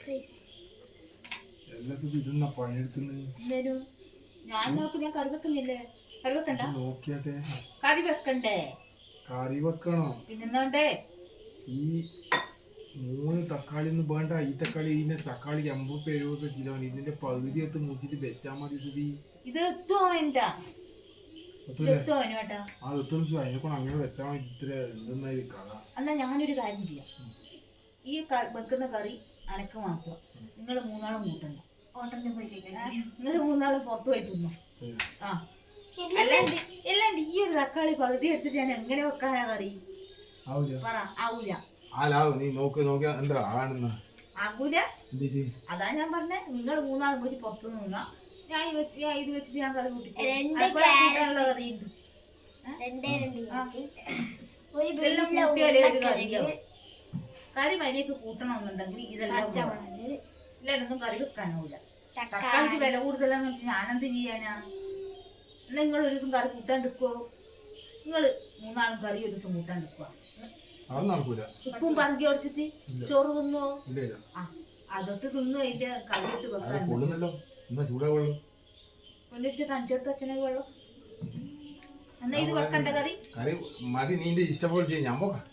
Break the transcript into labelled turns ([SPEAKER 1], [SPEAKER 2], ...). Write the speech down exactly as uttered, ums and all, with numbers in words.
[SPEAKER 1] ഞാൻ നോക്കി ഞാൻ കറി വെക്കുന്നില്ലേ? കറി വെക്കണ്ട?
[SPEAKER 2] നോക്കിയാട്ടെ.
[SPEAKER 1] കറി വെക്കണ്ടേ?
[SPEAKER 2] കറി വെക്കണോ?
[SPEAKER 1] പിന്നെന്തോണ്ടേ?
[SPEAKER 2] ഈ മൂന്ന് തക്കാളി ഒന്നും വേണ്ട. ഈ തക്കാളി ഇതിന്റെ തക്കാളി അമ്പത് എഴുപത് കിലോ ഇതിന്റെ പകുതി എടുത്ത് മുറിച്ചിട്ട് വെച്ചാ മതി. സുധി
[SPEAKER 1] ഇത് എത്തുമോ വേണ്ടാ?
[SPEAKER 2] അതിനെക്കൊണ്ട് അങ്ങനെ വെച്ചാ മതി. ഇത്ര എന്തെന്നായി കഥ.
[SPEAKER 1] എന്നാ ഞാനൊരു കാര്യം ചെയ്യാം. ഈ വെക്കുന്ന കറി അനക്ക് മാത്രം, നിങ്ങൾ മൂന്നാളും കൂട്ടണ്ട. നിങ്ങൾ മൂന്നാളും പുറത്തു പോയി തിന്നു. ആ അല്ലാണ്ട് അല്ലാണ്ട് ഈ ഒരു തക്കാളി പകുതി എടുത്തിട്ട് ഞാൻ എങ്ങനെ വെക്കാനാ കറി? പറ. ആവൂല. ആകൂല. അതാ ഞാൻ പറഞ്ഞേ, നിങ്ങൾ മൂന്നാളും പോയി പുറത്തു നിന്നാ ഞാൻ ഇത് വെച്ചിട്ട് ഞാൻ കറി കൂട്ടിക്കാനുള്ള കറിയുണ്ട്. ഇതെല്ലാം കൂട്ടിയാലേ ഒരു കറിയാവും. കറി മരിയൊക്കെ കൂട്ടണമെന്നുണ്ടെങ്കിൽ ഇതെല്ലാം ഇല്ലാണ്ടൊന്നും കറി വെക്കാനാവൂല. തക്കാളിക്ക് വില കൂടുതലാന്ന് വെച്ചാൽ ഞാനെന്ത് ചെയ്യാനാ? നിങ്ങൾ ഒരു ദിവസം കറി കൂട്ടാണ്ടിക്കോ? നിങ്ങള് മൂന്നാളും കറി ഒരു ദിവസം കൂട്ടാണ്ടിക്കുക. ഉപ്പും പറക്കി ഒടിച്ചിട്ട് ചോറ് തിന്നുവോ? അതൊക്കെ തിന്നു. അതിന്റെ കറി ഇട്ട് വെക്കാൻ കൊണ്ടിട്ട് തഞ്ചോട്ട് അച്ഛനെ വെള്ളം. എന്നാ ഇത് വെക്കണ്ട കറി
[SPEAKER 2] മതി. നീ ഇഷ്ടപോലെ ചെയ്യാം. ഞാൻ പോകാം.